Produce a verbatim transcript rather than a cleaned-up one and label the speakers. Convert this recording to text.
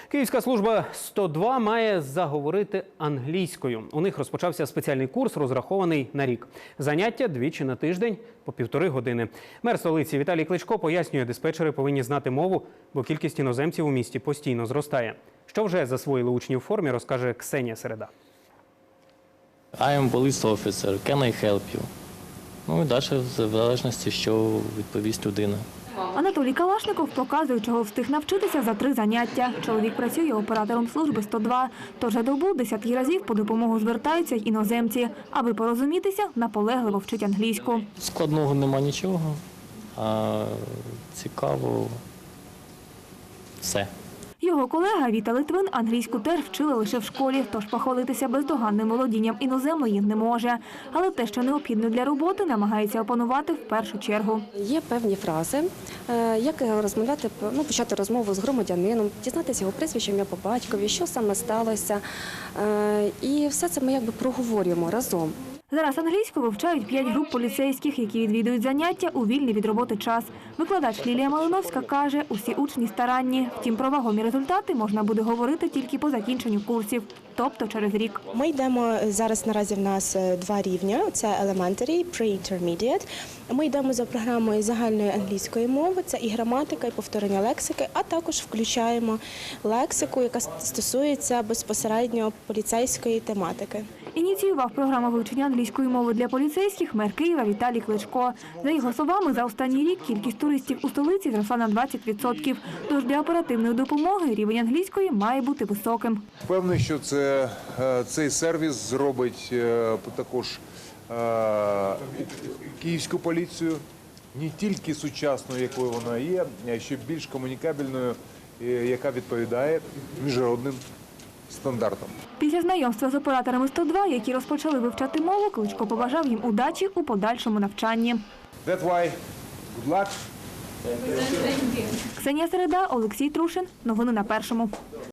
Speaker 1: Київська служба сто два має заговорити англійською. У них розпочався спеціальний курс, розрахований на рік. Заняття двічі на тиждень по півтори години. Мер столиці Віталій Кличко пояснює, диспетчери повинні знати мову, бо кількість іноземців у місті постійно зростає. Що вже засвоїли учні у формі, розкаже Ксенія Середа.
Speaker 2: I am police officer. Can I help you? Ну і далі в залежності, що відповість людина.
Speaker 3: Анатолій Калашников показує, чого встиг навчитися за три заняття. Чоловік працює оператором служби сто два, тож за добу десятки разів по допомогу звертаються й іноземці. Аби порозумітися, наполегливо вчить англійську.
Speaker 2: Складного нема нічого, а цікаво все.
Speaker 3: Його колега Віта Литвин англійську теж вчили лише в школі, тож похвалитися бездоганним володінням іноземної не може. Але те, що необхідно для роботи, намагається опанувати в першу чергу.
Speaker 4: Є певні фрази, як розмовляти, ну, почати розмову з громадянином, дізнатися його прізвище, ім'я по батькові, що саме сталося. І все це ми якби проговорюємо разом.
Speaker 3: Зараз англійську вивчають п'ять груп поліцейських, які відвідують заняття у вільний від роботи час. Викладач Лілія Малиновська каже, усі учні старанні. Втім, про вагомі результати можна буде говорити тільки по закінченню курсів, тобто через рік.
Speaker 5: Ми йдемо, зараз наразі в нас два рівня, це Elementary, Pre-Intermediate. Ми йдемо за програмою загальної англійської мови, це і граматика, і повторення лексики, а також включаємо лексику, яка стосується безпосередньо поліцейської тематики.
Speaker 3: Ініціював програму вивчення англійської мови для поліцейських мер Києва Віталій Кличко. За його словами, за останній рік кількість туристів у столиці зросла на двадцять відсотків. Тож для оперативної допомоги рівень англійської має бути високим.
Speaker 6: Впевнений, що це, цей сервіс зробить також київську поліцію не тільки сучасною, якою вона є, а ще більш комунікабельною, яка відповідає міжнародним стандартам.
Speaker 3: Після знайомства з операторами сто два, які розпочали вивчати мову, Кличко побажав їм удачі у подальшому навчанні.
Speaker 6: That's why. Good luck.
Speaker 3: Ксенія Середа, Олексій Трушин. Новини на Першому.